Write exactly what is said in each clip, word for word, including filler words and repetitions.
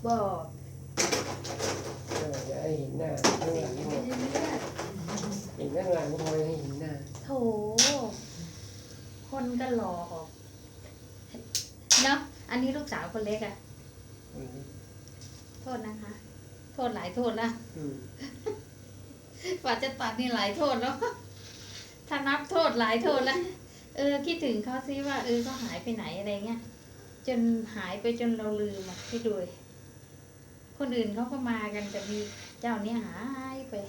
บอกเอออย่าให้เห็นหน้าข้างหลังไม่หมดใช่เลือดเห็นข้างหลังพอให้เห็นหน้าโถคนก็หลอกเนาะอันนี้ลูกสาวคนเล็กอะอืมโทษนะคะ โทษหลายโทษนะอืมกว่าจะตัดนี่หลายโทษแล้วถ้านับโทษหลายโทษแล้วเออคิดถึงเขาซิว่าเออเขาหายไปไหนอะไรเงี้ยจนหายไปจนเราลืมอ่ะพี่ดูคนอื่นเขาก็มากันแต่มีเจ้านี้หายไป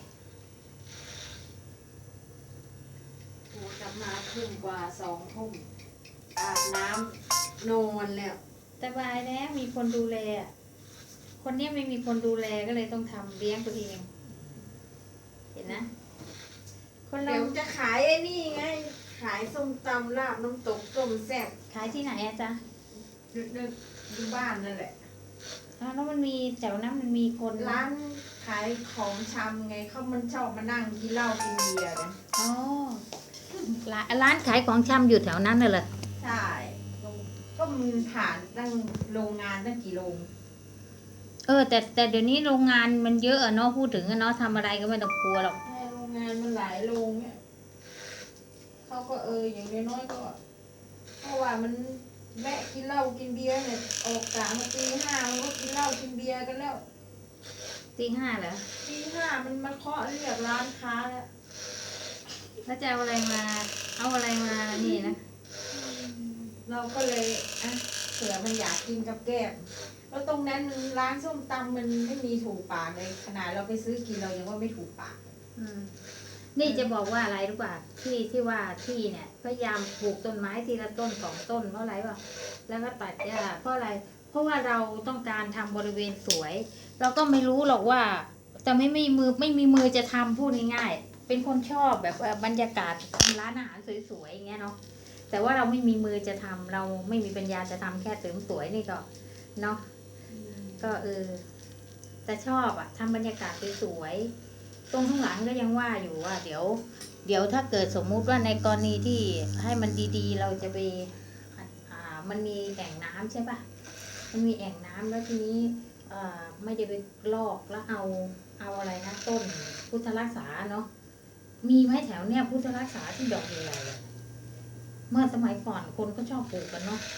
โอ้กลับมาทุ่มกว่าสองทุ่มอาบน้ำนอนแล้วแต่บายแล้วมีคนดูแลอะคนเนี้ยไม่มีคนดูแลก็เลยต้องทำเลี้ยงตัวเอง เห็นนะ คนเราเดี๋ยวจะขายไอ้นี่ไง ขายส้มตำลาบน้ำตกต้มแซ่บขายที่ไหนอะจ๊ะอยู่อยู่บ้านนั่นแหละอ้าวแล้วมันมีแถวนั้นมันมีคนร้านขายของชำไงเขามันชอบมานั่งกินเหล้ากินเบียร์กันอ๋อร้านร้านขายของชำอยู่แถวนั้นน่ะเหรอใช่ก็มันผ่านตั้งโรงงานตั้งกี่โรงเออแต่แต่เดี๋ยวนี้โรงงานมันเยอะอะเนาะพูดถึงอะเนาะทำอะไรก็ไม่ต้องกลัวหรอกใช่โรงงานมันหลายโรงเนี่ยเขาก็เอออย่างน้อยๆก็เพราะว่ามันแวะกินเหล้ากินเบียร์เนี่ยออกกะมาตีห้ามันก็กินเหล้ากินเบียร์กันแล้วตีห้าเหรอตีห้ามันมาเคาะเรียกร้านค้าแล้วแล้วจะเอาอะไรมาเอาอะไรมานี่นะเราก็เลยอ่ะเผื่อมันอยากกินกับแก้มแล้วตรงนั้นมันร้านส้มตำมันไม่มีถูกปากเลยขนาดเราไปซื้อกินเรายังว่าไม่ถูกปากอืมนี่จะบอกว่าอะไรรู้ป่ะที่ที่ว่าที่เนี่ยพยายามปลูกต้นไม้ทีละต้นสองต้นเพราะอะไรป่ะแล้วก็ตัดหญ้าเพราะอะไร เพราะว่าเราต้องการทำบริเวณสวย เราก็ไม่รู้หรอกว่าแต่ไม่มีมือไม่มีมือจะทำพูดง่ายๆเป็นคนชอบแบบบรรยากาศทำร้านอาหารสวยๆอย่างเงี้ยเนาะแต่ว่าเราไม่มีมือจะทำเราไม่มีปัญญาจะทำแค่เสริมสวยนี่ก็เนาะก็เออแต่ชอบอะทำบรรยากาศสวยๆตรงข้างหลังก็ยังว่าอยู่ว่า เดี๋ยว เดี๋ยวถ้าเกิดสมมุติว่าในกรณีที่ให้มันดีๆ เราจะไปอ่ามันมีแอ่งน้ำใช่ปะมันมีแอ่งน้ำแล้วทีนี้อ่าไม่ได้ไปลอกแล้วเอาเอาอะไรนะต้นพุทธรักษาเนาะมีไหมแถวเนี้ยพุทธรักษาที่ดอกใหญ่ๆอะเมื่อสมัยก่อนคนก็ชอบปลูกกันเนาะ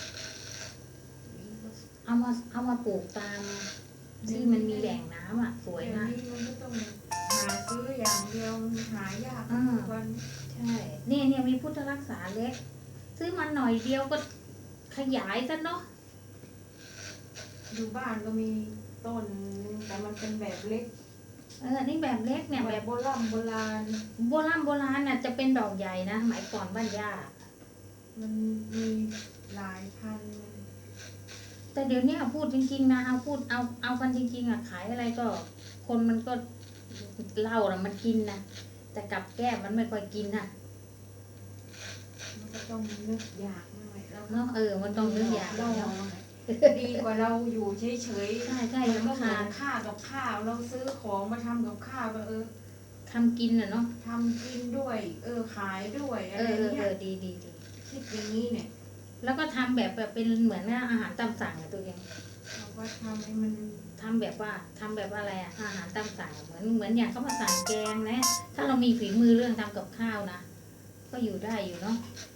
เอามาเอามาปลูกตามที่มันมีแหล่งน้ำอ่ะสวยเดี๋ยวมากนี้มันก็ต้องหาซื้ออย่างเดียวหายากอ่าทุกวันใช่เนี่ยเนี่ยมีพุทธรักษาเล็ก ซื้อมาหน่อยเดียวก็ขยายซะเนาะอยู่บ้านก็มีต้นแต่มันเป็นแบบเล็กเออนี่แบบเล็กเนี่ยแบแบบ บโบราณโบราณโบราณโบราณน่ะจะเป็นดอกใหญ่นะหมายก่อนบ้านย่ามันมีหลายพันแต่เดี๋ยวนี้พูดจริงๆนะเอาพูดเอาเอากันจริงๆอ่ะขายอะไรก็ คนมันก็เหล้าน่ะมันกินนะแต่กับแก้มมันไม่ค่อยกินนะมันก็ต้องนึกอยากหน่อยแล้วเนาะเออมันต้องนึกอย่างเราเนาะดีกว่าเราอยู่เฉยใช่ใช่ๆแล้วก็ลำหาคาญค่ากับข้าวเราซื้อของมาทำกับข้าวก็เออทำกินอ่ะเนาะทำกินด้วย เออขายด้วยอะเอไรอเออเงี้เอย อดีดีดีคิดอย่างนี้เนี่ยแล้วก็ทำแบบแบบเป็นเหมือนอาหารตามสั่งอะตัวเองเราก็ทำให้มันทำแบบว่าทำแบบอะไรอะอาหารตามสั่งเหมือนเหมือนอย่างเขามาสั่งแกงนะ ถ้าเรามีฝีมือเรื่องทำกับข้าวนะก็อยู่ได้อยู่เนาะ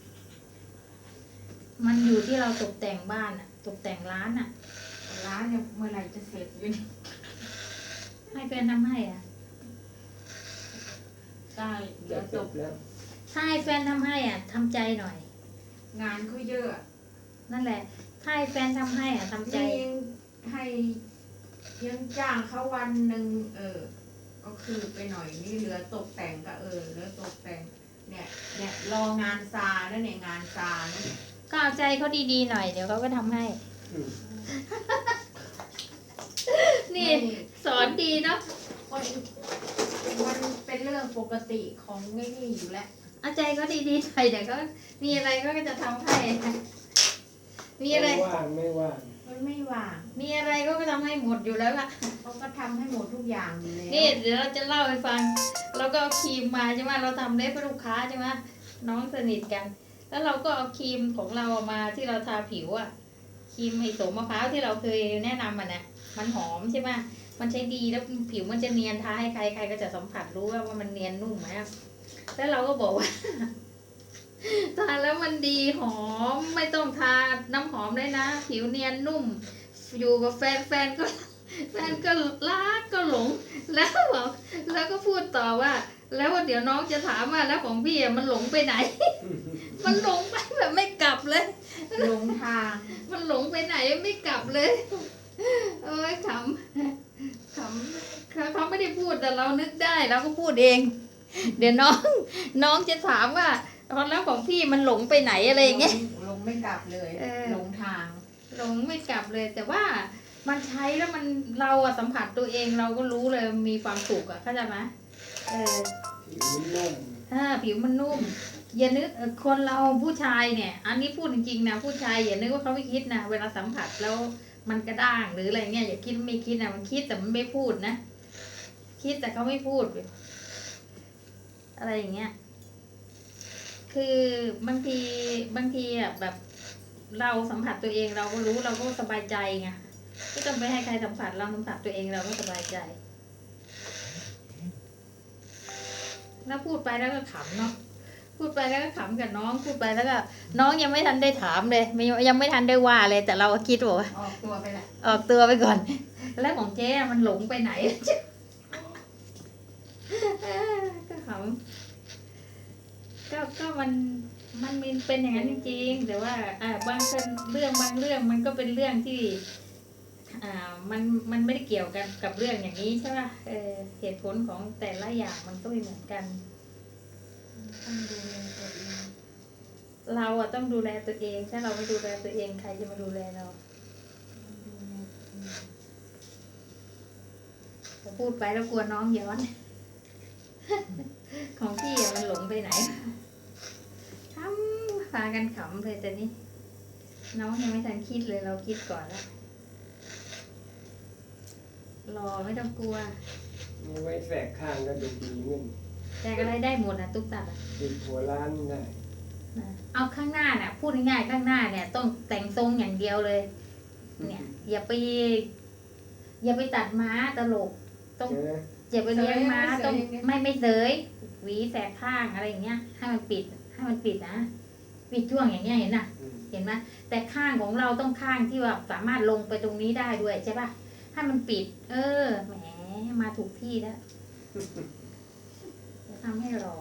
มันอยู่ที่เราตกแต่งบ้านอะตกแต่งร้านอะร้านเนี่ยเมื่อไหร่จะเสร็จอยู่เนี่ยให้แฟนทำให้อะได้เดี๋เดี๋ยยว วจจบบ แล้วถ้าให้แฟนทำให้อะทำใจหน่อยงานเขาเยอะนั่นแหละ ถ้าให้แฟนทำให้อะทำใจนี่ยังให้ยังจ้างเขาวันหนึ่งเออ ก็คือไปหน่อยนี่เหลือตกแต่งก็เออเหลือตกแต่ง เนี่ยเนี่ยรองานซาแล้วเนี่ยงานซานะก็เอาใจเขาดีๆหน่อยเดี๋ยวเขาก็ทำให้อืมนี่สอนดีเนาะมันมันเป็นเรื่องปกติของไม่นี่อยู่แล้วเอาใจเขาดีๆหน่อยเดี๋ยวก็มีอะไรก็จะทำให้มีอะไรไม่ว่างไม่ว่างมันไม่ว่างมีอะไรก็ทำให้หมดอยู่แล้วล่ะเขาก็ทำให้หมดทุกอย่างอยู่แล้วนี่เดี๋ยวเราจะเล่าให้ฟัง เราก็เอาครีมมาใช่ไหมเราทำเล็บให้ลูกค้าใช่ไหมน้องสนิทกัน แล้วเราก็เอาครีมของเรามาที่เราทาผิวอะครีมไอโสมมะพร้าวที่เราเคยแนะนำมันนะมันหอมใช่ไหมมันใช้ดีแล้วผิวมันจะเนียนทาให้ใครใครก็จะสัมผัสรู้ว่าว่ามันเนียนนุ่มไหมแล้วเราก็บอกว่า ทาแล้วมันดีหอมไม่ต้องทาน้ำหอมเลยนะ ผิวเนียนนุ่ม อยู่กับแฟนแฟนก็ แฟนก็รักก็หลง แล้วบอกแล้วก็พูดต่อว่า แล้วเดี๋ยวน้องจะถามว่าแล้วของพี่อะมันหลงไปไหน มันหลงไปแบบไม่กลับเลยหลงทางมันหลงไปไหนไม่กลับเลย เอ้ยขำขำเขาเขาไม่ได้พูดแต่เรานึกได้เราก็พูดเอง เดี๋ยวน้อง น้องจะถามว่าแล้วของพี่มันหลงไปไหนอะไรอย่างเงี้ยหลงไม่กลับเลยเออหลงทางหลงไม่กลับเลย แต่ว่ามันใช้แล้วมันเราอะสัมผัสตัวเองเราก็รู้เลยมีความสุขอะเข้าใจไหมเออผิวนุ่มถ้าผิวมันนุ่ม อย่านึกเอ่อคนเราผู้ชายเนี่ย อันนี้พูดจริงๆนะผู้ชายอย่านึกว่าเขาไม่คิดนะเวลาสัมผัสแล้วมันกระด้างหรืออะไรเงี้ยอย่าคิดไม่คิดนะมันคิดแต่มันไม่พูดนะ คิดแต่เขาไม่พูด อะไรอย่างเงี้ย คือบางทีบางทีอ่ะแบบ เราสัมผัสตัวเองเราก็รู้เราก็สบายใจไงไม่ต้องไปให้ใครสัมผัสเราสัมผัสตัวเองเราก็สบายใจ แล้วพูดไปแล้วก็ขำเนาะพูดไปแล้วก็ขำกับน้องพูดไปแล้วก็น้องยังไม่ทันได้ถามเลยไม่ยังไม่ทันได้ว่าเลย แต่เราก็คิดว่าออกตัวไปแหละออกตัวไปก่อน แล้วของเจ๊อะมันหลงไปไหน ก็ขำก็ก็มันมันมีเป็นอย่างนั้นจริงๆแต่ว่าอ่าบางเรื่องบางเรื่องมันก็เป็นเรื่องที่ อ่ามันมันไม่ได้เกี่ยวกันกับเรื่องอย่างนี้ใช่ป่ะเออเหตุผลของแต่ละอย่างมันก็ไม่เหมือนกันต้องดูแลตัวเองเราอะต้องดูแลตัวเองถ้าเราไม่ดูแลตัวเองใครจะมาดูแลเราพอพูดไปแล้วกลัวน้องย้อน ของพี่อะมันหลงไปไหนทำพากันขำเลยแต่นี่น้องยังไม่ทันคิดเลยเราคิดก่อนแล้วรอไม่ต้องกลัวมีไว้แสกข้างก็ดูดีเงินแต่อะไรได้หมดนะตุ๊กตาอะติดหัวร้านได้นะเอาข้างหน้าน่ะ พูดง่ายๆข้างหน้าเนี่ยต้องแต่งทรงอย่างเดียวเลย เนี่ย อย่าไป อย่าไปตัดม้าตลกต้องเจออย่าไปเลี้ยงม้าต้องไม่ไม่เสยหวีแสกข้างอะไรอย่างเงี้ยให้มันปิดให้มันปิดนะปิดช่วงอย่างเงี้ยเห็นน่ะอืมเห็นไหมแต่ข้างของเราต้องข้างที่ว่าสามารถลงไปตรงนี้ได้ด้วยใช่ป่ะให้มันปิด เออแหมมาถูกที่แล้วจะทำให้รอ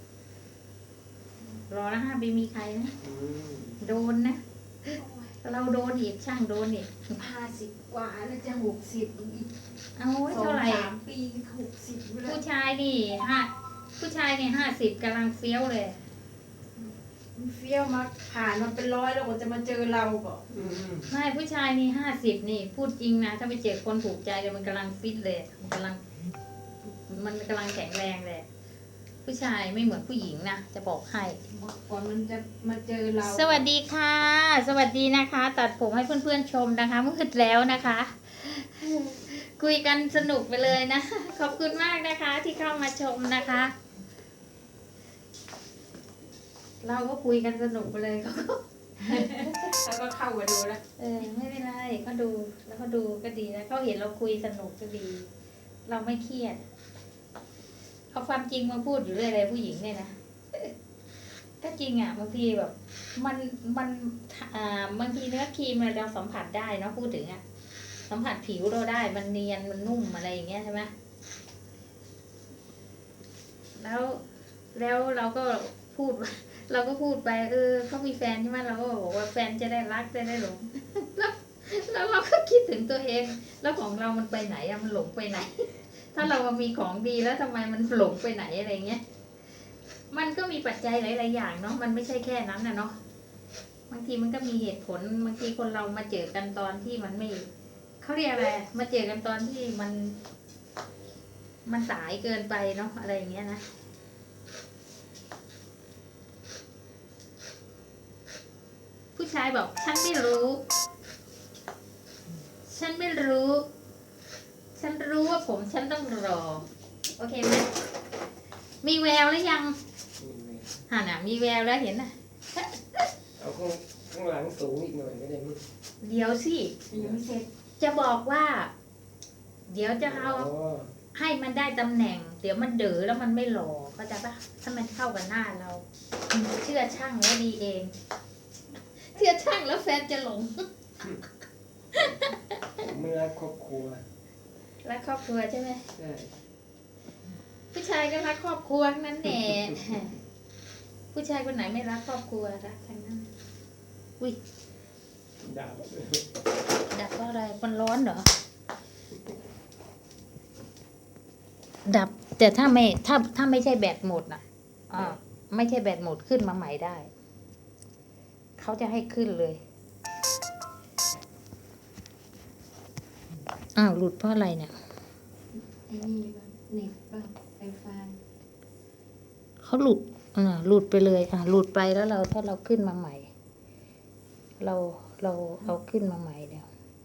รอแล้วห้ามไปมีใครนะอืมโดนนะ เราโดนอีกช่างโดนอีกห้าสิบกว่าแล้วจะหกสิบอีกเอาไว้สองเท่าไหร่สามปีหกสิบแล้ผู้วชายนี่ห้าผู้ชายนี่ห้าสิบกำลังเฟี้ยวเลยมันเฟี้ยวมาผ่านมาเป็นร้อยแล้วกว่าจะมาเจอเราก็อืมไม่ผู้ชายนี่ห้าสิบนี่ พูดจริงนะ ถ้าไปเจอคนถูกใจเลยมันกำลังฟิตเลยมันกำลัง มันกำลังแข็งแรงเลยผู้ชายไม่เหมือนผู้หญิงนะจะบอกให้ก่อนมันจะมาเจอเราสวัสดีค่ะ สวัสดีนะคะ ตัดผมให้เพื่อนๆชมนะคะมืดแล้วนะคะ คุยกันสนุกไปเลยนะ ขอบคุณมากนะคะ ที่เข้ามาชมนะคะ เราก็คุยกันสนุกไปเลยเขาก็แล้วก็เข้ามาดูแล้วเออไม่เป็นไรก็ดูแล้วก็ดูก็ดีแล้วเขาเห็นเราคุยสนุกก็ดี เราไม่เครียดเอาความจริงมาพูดอยู่เรื่อยเลยผู้หญิงเนี่ยนะก็จริงอ่ะบางทีแบบ มันมันอ่าบางทีเนื้อครีมเราสัมผัสได้เนาะพูดถึงอ่ะสัมผัสผิวเราได้มันเนียนมันนุ่มอะไรอย่างเงี้ยใช่ไหมแล้วแล้วเราก็พูด เราก็พูดไปเออเขามีแฟนใช่ไหมเราก็บอกว่าแฟนจะได้รักจะได้หลง แล้วแล้วเราก็คิดถึงตัวเอง แล้วของเรามันไปไหนอะมันหลงไปไหน ถ้าเรามีของดีแล้วทำไมมันหลงไปไหนอะไรเงี้ยมันก็มีปัจจัยหลายๆอย่างเนาะมันไม่ใช่แค่นั้นนะเนาะบางทีมันก็มีเหตุผลบางทีคนเรามาเจอกันตอนที่มันไม่เขาเรียกอะไรมาเจอกันตอนที่มัน มันสายเกินไปเนาะอะไรอย่างเงี้ยนะผู้ชายบอกฉันไม่รู้ ฉันไม่รู้ ฉันรู้ว่าผมฉันต้องรอ โอเคไหมมีแววแล้วยังนี่ไงห่าน่ะมีแววแล้วเห็นน่ะเอาข้างข้างหลังสูงอีกหน่อยก็ได้มั้งเดี๋ยวสิยังไม่เสร็จจะบอกว่าเดี๋ยวจะเอาอ๋อให้มันได้ตำแหน่ง เดี๋ยวมันเด๋อแล้วมันไม่หล่อเข้าใจปะถ้ามันเข้ากับหน้าเรา เชื่อช่างแล้วดีเอง เชื่อช่างแล้วแฟนจะหลงผมไม่รักครอบครัวรักครอบครัวใช่ไหมใช่ผู้ชายก็รักครอบครัวทั้งนั้นแหละ ผู้ชายคนไหนไม่รักครอบครัวรักทั้งนั้น อุ้ยดาวดับเพราะอะไร มันร้อนเหรอ ดับ แต่ถ้าไม่ ถ้า ถ้าไม่ใช่แบตหมดน่ะอ่าไม่ใช่แบตหมดขึ้นมาใหม่ได้ เขาจะให้ขึ้นเลย อ้าวหลุดเพราะอะไรเนี่ยไอ้นี่บ้างเน็ตบ้างไฟฟ้าเขาหลุด อ่า หลุดไปเลย อ่า หลุดไปแล้วเราถ้าเราขึ้นมาใหม่ เรา เราเอาขึ้นมาใหม่เดี๋ยว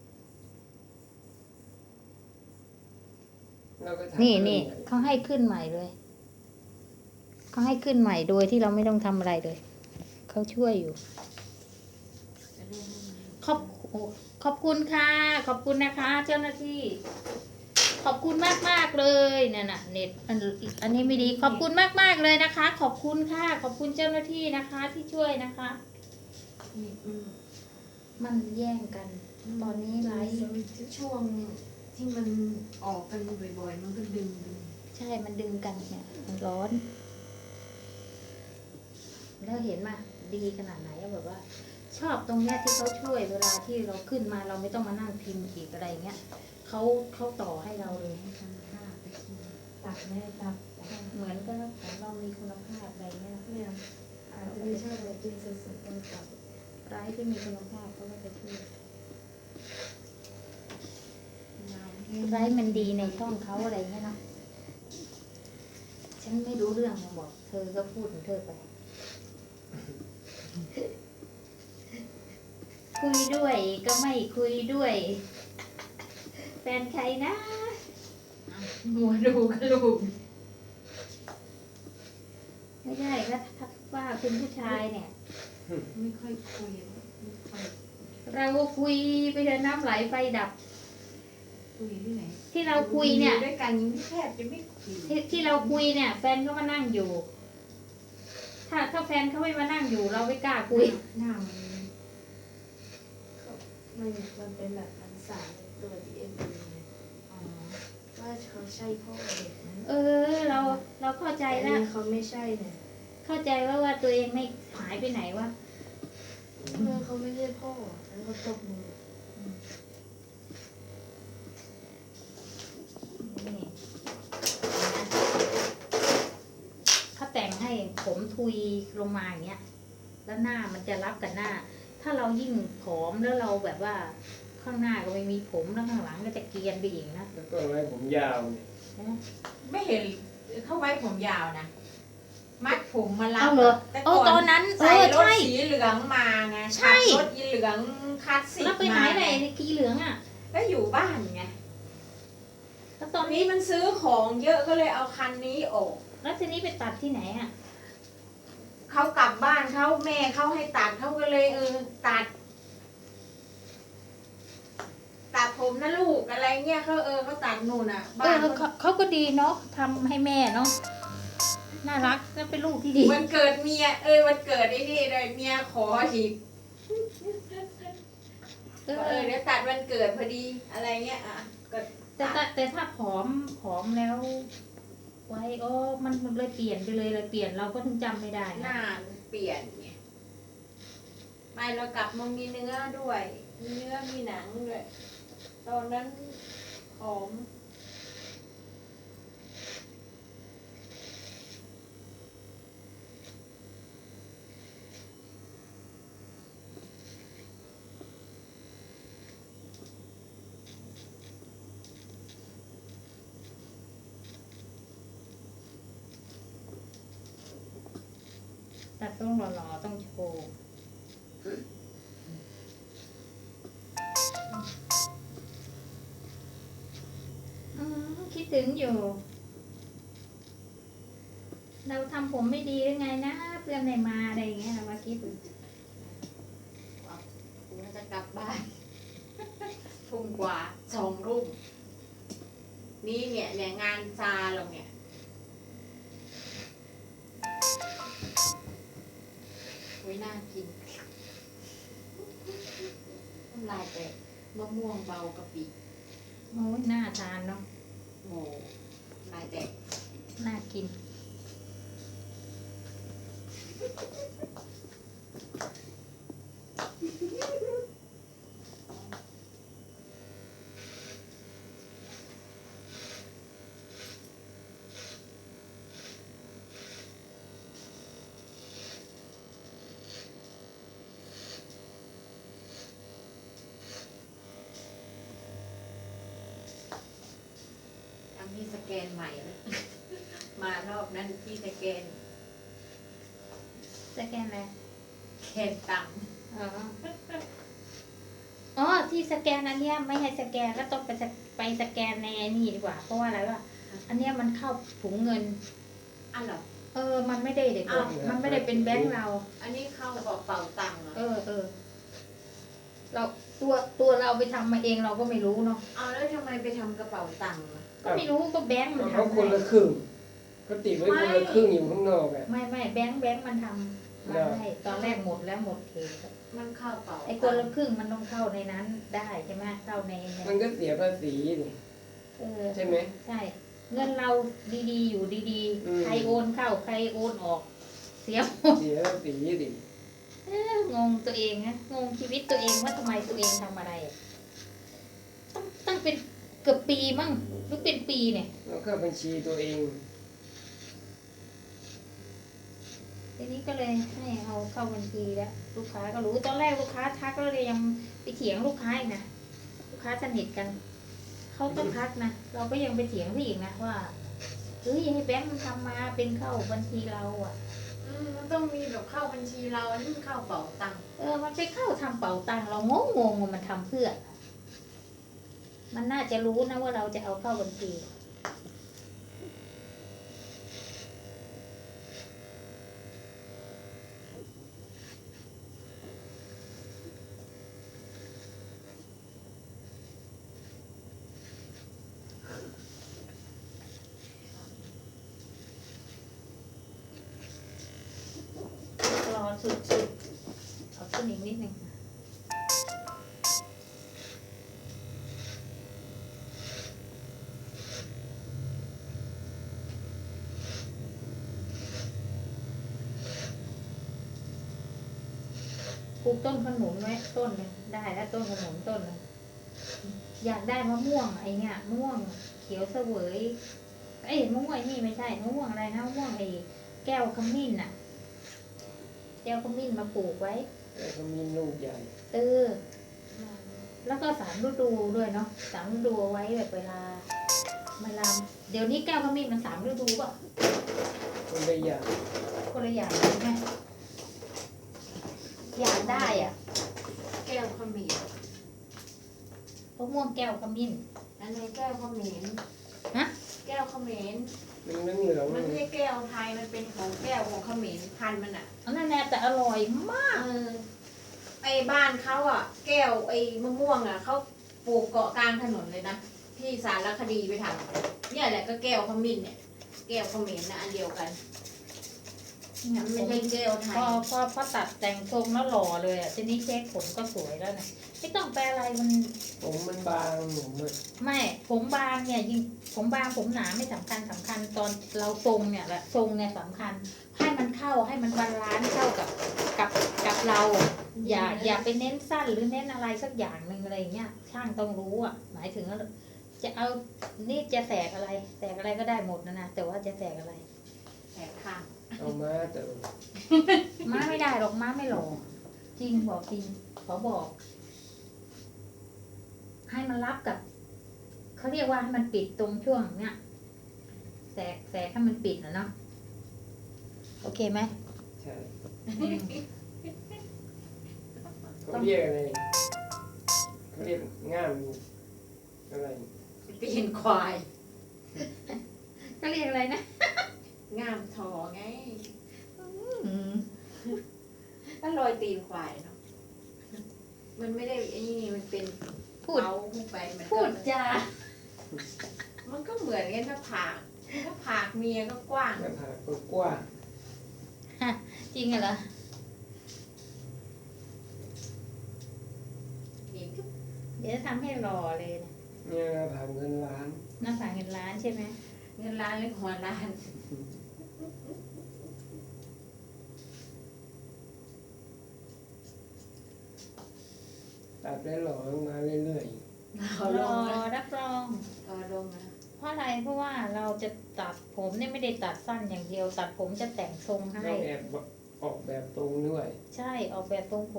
เราก็ทำนี่นี่เรื่องเขาให้ขึ้นใหม่เลย เขาให้ขึ้นใหม่โดยที่เราไม่ต้องทำอะไรเลย เขาช่วยอยู่จะได้ไม่มาขอบโอ้ขอบคุณค่ะ ขอบคุณนะคะ เจ้าหน้าที่ ขอบคุณมากมากๆเลยเนี่ยนะเน็ตอันอันนี้ไม่ดี ขอบคุณมากมากๆเลยนะคะ ขอบคุณค่ะ ขอบคุณเจ้าหน้าที่นะคะ ที่ช่วยนะคะเน็ตมันมันแย่งกัน ตอนนี้ไลฟ์ช่วงที่มันออกกันบ่อยๆ มันก็ดึงดึงใช่มันดึงกันเนี่ยมันร้อน แล้วเห็นมาดีขนาดไหนอะแบบว่า ชอบตรงเนี้ยที่เขาช่วยเวลาที่เราขึ้นมาเราไม่ต้องมานั่งพิมพ์อีกอะไรเงี้ยเขาเขาต่อให้เราเลยให้ทำท่าไปกินตัดไม่ได้ตัดเหมือนก็ของเรามีคุณภาพอะไรเงี้ยเนี่ยอาจจะไม่ใช่แบบกินสดๆต้องตัดร้ายที่มีคุณภาพเขาก็จะช่วยน้ำร้ายมันดีในช่องเขาอะไรเงี้ยเนาะฉันไม่รู้เรื่องมาบอก เธอก็พูดของเธอไป คุยด้วยก็ไม่คุยด้วย แฟนใครนะหัวดูกระลูกไม่ใช่ก็ถ้าว่าคุณผู้ชายเนี่ยไม่ค่อยคุยไม่ค่อยเราก็คุยไปเถอะน้ำไหลไฟดับคุยที่ไหนที่เราคุยเนี่ยด้วยกันยังแทบจะไม่คุยที่ที่เราคุยเนี่ย แฟนเขามานั่งอยู่ ถ้าถ้าแฟนเขาไม่มานั่งอยู่ เราไม่กล้าคุยหน้ามันมันมันเป็นแบบพันสามในตัว ดี เอ็น เอ ไงอ๋อว่าเขาใช่พ่อเด็กนะเออ เราเราเข้าใจแต่แล้วนี่เขาไม่ใช่เนี่ยเข้าใจว่าว่าตัวเองไม่หายไปไหนวะเมื่อเขาไม่ใช่พ่อแล้วเขาตบมือนี่เขาแต่งให้ผมทุยลงมาอย่างเงี้ย แล้วหน้ามันจะรับกับหน้า ถ้าเรายิ่งผอมแล้วเราแบบว่า ข้างหน้าก็ไม่มีผมแล้วข้างหลังก็จะเกรียนไปอีกนะแล้วก็ไว้ผมยาวเนี่ยไม่เห็นเขาไว้ผมยาวนะ มัดผมมาลัเอาบเหรอแต่เออก่อนตอนนั้นเอใส่อรถใช่สีเหลืองมาไงใช่ขับรถยีเหลืองคลาสสิกแล้วไปไหนมาไหนในกีเหลืองอ่ะก็อยู่บ้านไงแล้วตตออน นนี้นี้มันซื้อของเยอะก็เลยเอาคันนี้ออกแล้วทีนี้ไปตัดที่ไหนอ่ะเขากลับบ้านเขาแม่เขาให้ตัดเขาก็เลยเออตัด ตัดผมนะลูกอะไรเงี้ยเขาเออเขาตัดนู่นอ่ะเอบ้านอเขาเขาเขาก็ดีเนาะทำให้แม่เนาะน่ารักแล้วเป็นลูกที่ดีวันเกิดเมียเออวันเกิดไอ้นี่เลยเมียขออีกเอเอออเดี๋ยวตัดวันเกิดพอดีอะไรเงี้ยอ่ะก็แต่ถ้าแต่ถ้าผอมผอมแล้ว ไว้โอ้มันมันเลยเปลี่ยนไปเลยเลยเปลี่ยนเราก็ถึงจำไม่ได้หนะน้ามันเปลี่ยนไงไม่เรากลับมามีเนื้อด้วย มีเนื้อมีหนังด้วย ตอนนั้นผอมแต่ต้องหล่อๆต้องโชว์อืมคิดถึงอยู่ เราทำผมไม่ดีหรือไงนะ เพื่อนไม่มาอะไรอย่างเงี้ยเรามาคิดกูจะกลับบ้าน ทุ่มกว่าสองรุ่มนี่เนี่ยเนี่ยงานซาเราเนี่ยโอ้ยน่ากินน้ำลายแตกมะม่วงเบากะปิโอ้ยน่าทานเนาะโอ้ลายแตกน่ากินทำที่สแกนใหม่แล้ว มารอบนั้นที่สแกนสแกนอะไรแคนตังค์อ๋อ อ๋อ ที่สแกนอันเนี้ยไม่ให้สแกนก็ต้องไปสไปสแกนในไอ้นี่ดีกว่า เพราะว่าอะไรวะอันเนี้ยมันเข้าถุงเงินอันเหรอเออ มันไม่ได้เด็กอ้าวมันไม่ได้เป็นแบงค์เราอันนี้เข้ากระเป๋าตังค์เหรอเออเออ เราตัวตัวเราไปทำมาเองเราก็ไม่รู้เนาะเอาแล้วทำไมไปทำกระเป๋าตังค์อะก็ไม่รู้ก็แบงค์มันเขาทำคนให้ละครึ่งก็ติดไว้คนละครึ่งอยู่ข้างนอกอ่ะไม่ไม่แบงค์แบงค์มันทำมาให้ตอนแรกหมดแล้วหมดเขตมันเข้าเป๋าไอ้คนละครึ่งมันต้องเข้าในนั้นได้ใช่ไหมเข้าในในมันก็เสียภาษีนี่เออใช่ไหมใช่ เงินเราดีๆ อยู่ดีอืมๆ ใครโอนเข้าใครโอนออก เสียหมดเสียภาษีดิเอ้องงตัวเองนะงงชีวิตตัวเองว่าทำไมตัวเองทำอะไรอะต้องตั้งเป็นเกือบปีมั้งหรือเป็นปีเนี่ยแล้วก็บัญชีตัวเองทีนี้ก็เลยให้เอาเข้าบัญชีแล้วลูกค้าก็รู้ตอนแรกลูกค้าทักแล้วเลยยังไปเถียงลูกค้าอีกนะลูกค้าสนิทกันเขาต้องทักนะเราก็ยังไปเถียงเขาอีกนะว่าเฮ้ยให้แบงค์มันทำมาเป็นเข้าบัญชีเราอ่ะอืมมันต้องมีแบบเข้าบัญชีเราอันนี้มันเข้าเป๋าตังค์เออมันไปเข้าทำเป๋าตังค์เรางงงงว่ามันทำเพื่อ มันน่าจะรู้นะว่าเราจะเอาเข้าบัญชีรอสุดๆเอาขึ้นอีกนิดนึงปลูกต้นขนุนไว้ต้นหนึงได้แล้วต้นขนุนต้นหนึงอยากได้มะม่วงไอเนี้ยมะม่วงเขียวเสวยเอ้ยมะม่วงไอ้นี่ไม่ใช่มะม่วงอะไรนะมะม่วงไอ้แก้วขมิ้นน่ะ แก้วขมิ้นมาปลูกไว้แล้วก็มีลูกใหญ่เออ แล้วก็สามฤดูด้วยเนาะสามฤดูเอาไว้แบบเวลาเวลาเดี๋ยวนี้แก้วขมิ้นมันสามฤดูป่ะคนละอย่างคนละอย่างใช่ไหมอยากได้อ่ะแก้วขมิ้นมะม่วงแก้วขมิ้นอันนี้แก้วขมิ้นฮะแก้วขมิ้นมันเหลืองเหลืองมันไม่ใช่แก้วไทยมันเป็นของแก้วของขมิ้นพันธุ์มันอ่ะอันนั้นแน่แต่อร่อยมากเออไอ้บ้านเขาอ่ะ แก้วไอ้มะม่วงอ่ะเขาปลูกเกาะกลางถนนเลยนะที่สารคดีไปทำเนี่ยแหละก็แก้วขมิ้นเนี่ย แก้วขมิ้นนะอันเดียวกันเนี่ยมันผไม่มใช่แก้วไทพยอพอพอตัดแต่งทรงแล้วหล่อเลยอ่ะทีนี้เช็คผมก็สวยแล้วนะไม่ต้องแปลอะไรมันผมมันบางหนูมันไม่ผมบางเนี่ยยิ่งผมบางผมหนาไม่สำคัญสำคัญตอนเราทรงเนี่ยแหละทรงเนี่ยสำคัญ ให้มันเข้าให้มันบาลานซ์เข้ากับกับกับเรา อย่าอย่าไปเน้นสั้นหรือเน้นอะไรสักอย่างหนึ่งอะไรอย่างเงี้ยช่างต้องรู้อ่ะหมายถึงว่าจะเอานี่จะแสกอะไรแสกอะไรก็ได้หมดนะนะแต่ว่าจะแสกอะไรแถบข้างเอามาแต่ม้าไม่ได้หรอกม้าไม่หล่อจริงบอกจริงขอบอก ให้มันรับกับเขาเรียกว่าให้มันปิดตรงช่วงเนี้ยแสกแสกให้มันปิดนะเนาะโอเคไหมใช่อืมเขาเรียกอะไรเขาเรียกง่ามอะไรปีนควายก็เรียกอะไรนะง่ามทอไงอืมก็รอยตีนควายเนาะมันไม่ได้ไอ้นี่มันเป็นพูดเอาขึ้นไปมันก็พูดจามันก็เหมือนกันหน้าผากหน้าผากเมียก็กว้างหน้าผากก็กว้างจริงเหรออีกเดี๋ยวทำให้หล่อเลยนะเนี่ยหน้าผากเงินล้านหน้าผากเงินล้านใช่ไหมเงินล้านหรือหัวล้านตัดได้หล่อลงมาเรื่อยเอาหลล่องนะรับรองเอาลงนะเพราะอะไรเพราะว่าเราจะตัดผมเนี่ยไม่ได้ตัดสั้นอย่างเดียว ตัดผมจะแต่งทรงๆให้ต้องแอบออกแบบตรงด้วยใช่ออกแบบทรงผม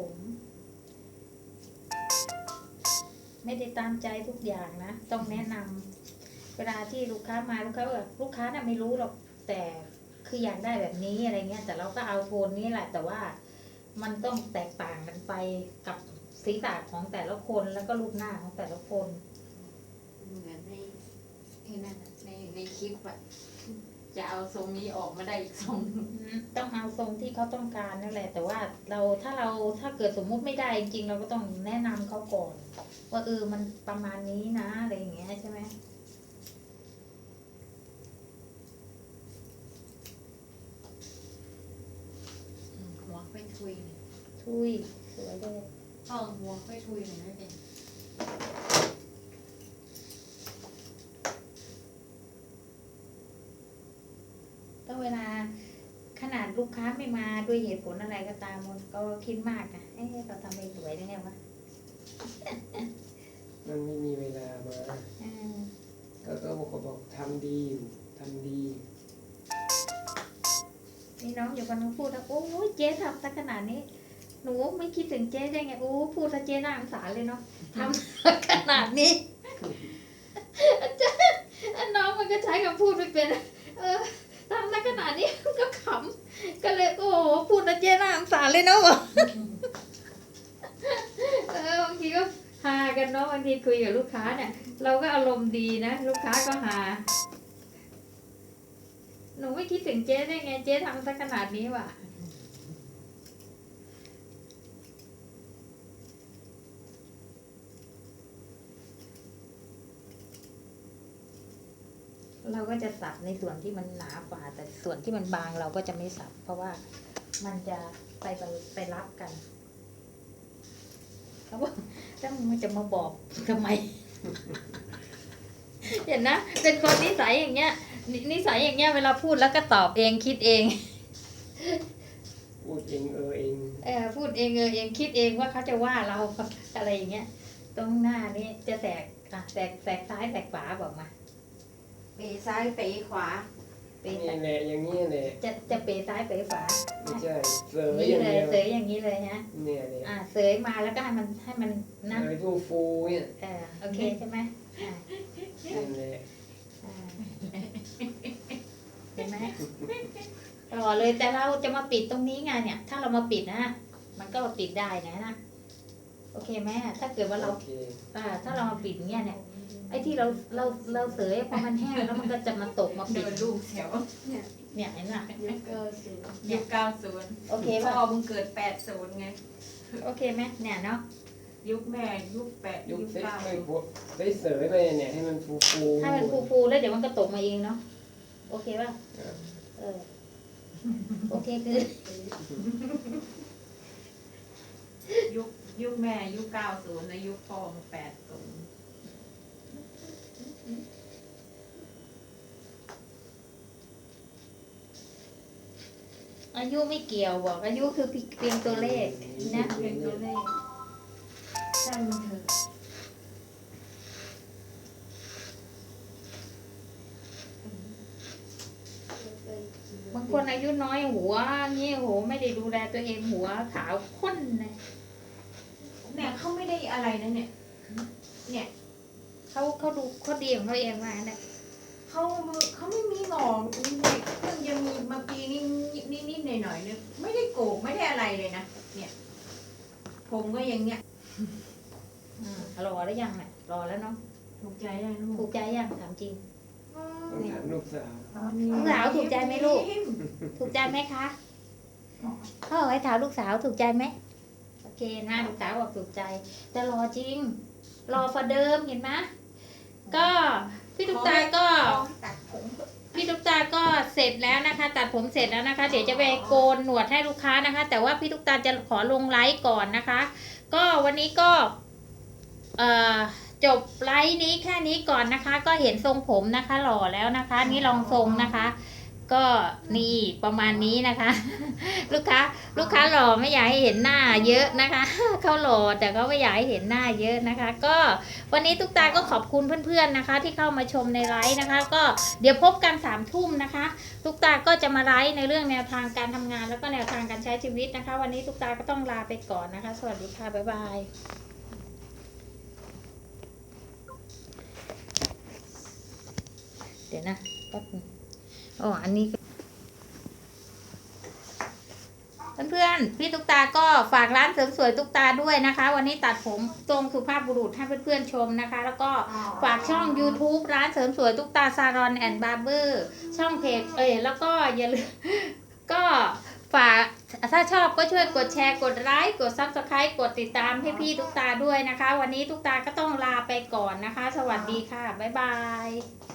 ไม่ได้ตามใจทุกอย่างนะ ต้องแนะนำเวลาที่ลูกค้ามาลูกค้าแบบลูกค้าน่ะไม่รู้หรอกแต่คืออยากได้แบบนี้อะไรเงี้ย แต่เราก็เอาโทนนี้แหละ แต่ว่ามันต้องแตกต่างกันไปกับศีรษะของแต่ละคนแล้วก็รูปหน้าของแต่ละคนเหมือนในในนั่นน่ะในในคลิปอะจะเอาทรงนี้ออกมาได้อีกทรงอืมต้องเอาทรงที่เขาต้องการนั่นแหละ แต่ว่าเราถ้าเราถ้าเกิดสมมุติไม่ได้จริงๆเราก็ต้องแนะนำเขาก่อน ว่าเออมันประมาณนี้นะอะไรอย่างเงี้ยใช่ไหมอืมหัวค่อยทุยหน่อยทุยสวยเลยเอาหัวค่อยทุยหน่อยไม่เป็นก็เวลาขนาดลูกค้าไม่มาด้วยเหตุผลอะไรก็ตามมันก็คิดมากนะเอ๊ะเราทำไม่สวยได้ไงวะมันไม่มีเวลามาอืมก็ก็บอกก็บอกทำดีอยู่ทำดีมีน้องอยู่คนนึงพูดว่าโอ้ยเจ๊ทำซะขนาดนี้ หนูไม่คิดถึงเจ๊ได้ไงโอ้พูดซะเจ๊น่าสงสารเลยเนาะทำขนาดนี้ อาจารย์น้องมันก็ใช้คำพูดไม่เป็น เออทำซะขนาดนี้ก็ขำก็เลยโอ้โหพูดซะเจ๊น่าสงสารเลยเนาะ บอกเออบางทีก็ฮากันเนาะบางทีคุยกับลูกค้าเนี่ย เราก็อารมณ์ดีนะลูกค้าก็ฮาหนูไม่คิดถึงเจ๊ได้ไงเจ๊ทำซะขนาดนี้ว่ะ เราก็จะสับในส่วนที่มันหนาฝ่าแต่ส่วนที่มันบางเราก็จะไม่สับ เพราะว่ามันจะไปไปไปรับกันเขาบอกถ้ามึงมันจะมาบอกทำไม เห็นนะเป็นคนนิสัยอย่างเงี้ยนินิสัยอย่างเงี้ยเวลาพูดแล้วก็ตอบเองคิดเองพูดเองเออเองเออพูดเองเออเองคิดเองว่าเขาจะว่าเรา อะไรอย่างเงี้ยตรงหน้านี้จะแตกอ่ะแตกแตกซ้ายแตกขวาบอกมาเปซ้ายเปขวาเปะนี่แหละอย่างนี้แหละจะจะเปซ้ายเปขวาไม่ใช่เสยนี่อย่างเลยเดียวเสยอย่างนี้เลยฮะเนี่ยเลยอ่าเสยมาแล้วก็ให้มันให้มันนะเสยทูฟูเนี่ยเออโอเคใช่ไหมอ่านั่นแหละอ่าเห็นไหมต่อเลยแต่เราจะมาปิดตรงนี้ไงเนี่ย ถ้าเรามาปิดนะมันก็ปิดได้นะนะโอเคไหมถ้าเกิดว่าเราโอเคอ่าถ้าเรามาปิดอย่างเงี้ยเนี่ยไอ้ที่เราเราเราเสยพอมันแห้งแล้วมันก็จะมาตกมาปิเดิดนลูกแถวเนี่ยเห็นไหมยุคเก้าสิบยุคเก้าศูนย์โอเคพ่ป่ะอมึงเกิดแปดศูนย์ไงโอเคไหมเนี่ยเนาะยุคแม่ยุคแปดยุยุคคเซ็ตเก้าไม่พวกได้เสยไปเนี่ยให้มันฟูฟูให้มันฟูๆแล้วเดี๋ยวมันก็ตกมาเองเนาะโอเคป่ะอ่ะเออโอเคคือยุคยุคแม่ยุคเก้าศูนย์นะยุคพ่อมึงแปดศูนย์อายุไม่เกี่ยวบอกอายุคือเพียงตัวเลขนะเป็นตัวเลขช่างมันเถอะบางคนอายุน้อยหัวเงี้ยโหไม่ได้ดูแลตัวเองหัวขาวข้นนะเนี่ยเขาไม่ได้อะไรนะเนี่ย เนี่ยเขาเขาดูเขาดีของเขาเองมาเนี่ยเขาเขาไม่มีหงอกเด็กเพิ่งจะมีมาปีนี้นิดนิดหน่อยหน่อยๆเนี่ยไม่ได้โกกไม่ได้อะไรเลยนะเนี่ย ผมก็อย่างเงี้ยอืมรอแล้วยังเนี่ยรอแล้วเนาะถูกใจได้ลูถูกกใจยังถามจริงต้องถามลูกสาวลูกสาวถูกใจไหมลูก ถูกใจไหมคะพ่อให้ถามลูกสาวถูกใจไหมโอเคนะลูกสาวบอกถูกใจแต่รอจริง รอฟอเดิมเห็นไหมก็พี่ตุ๊กตาก็ตัดผมพี่ตุ๊กตาก็เสร็จแล้วนะคะ ตัดผมเสร็จแล้วนะคะ เดี๋ยวจะไปโกนหนวดให้ลูกค้านะคะ แต่ว่าพี่ตุ๊กตาจะขอลงไลฟ์ก่อนนะคะ ก็วันนี้ก็เอ่อจบไลฟ์นี้แค่นี้ก่อนนะคะ ก็เห็นทรงผมนะคะ หล่อแล้วนะคะ นี่ลองทรงนะคะ ก็นี่ประมาณนี้นะคะ ลูกค้าลูกค้าหล่อไม่อยากให้เห็นหน้าเยอะนะคะ เขาหล่อแต่ก็ไม่อยากให้เห็นหน้าเยอะนะคะ ก็วันนี้ตุ๊กตาก็ขอบคุณเพื่อนๆนะคะ ที่เข้ามาชมในไลฟ์นะคะ ก็เดี๋ยวพบกันสามทุ่มนะคะตุ๊กตาก็จะมาไลฟ์ในเรื่องแนวทางการทำงาน แล้วก็แนวทางการใช้ชีวิตนะคะ วันนี้ตุ๊กตาก็ต้องลาไปก่อนนะคะ สวัสดีค่ะบ๊ายบายเดี๋ยวนะแป๊บนึงอ๋ออันนี้ เพื่อนๆพี่ตุ๊กตาก็ฝากร้านเสริมสวยตุ๊กตาด้วยนะคะ วันนี้ตัดผมทรงสุภาพบุรุษให้เพื่อนๆชมนะคะ แล้วก็ฝากช่อง YouTube ร้านเสริมสวยตุ๊กตาซารอนแอนด์บาร์เบอร์ช่องเพจเอ้ยแล้วก็อย่าลืม ก็ฝากถ้าชอบก็ช่วยกดแชร์กดไลค์กด ซับสไครบ์ กดติดตามให้พี่ตุ๊กตาด้วยนะคะ วันนี้ตุ๊กตาก็ต้องลาไปก่อนนะคะ สวัสดีค่ะบ๊ายบาย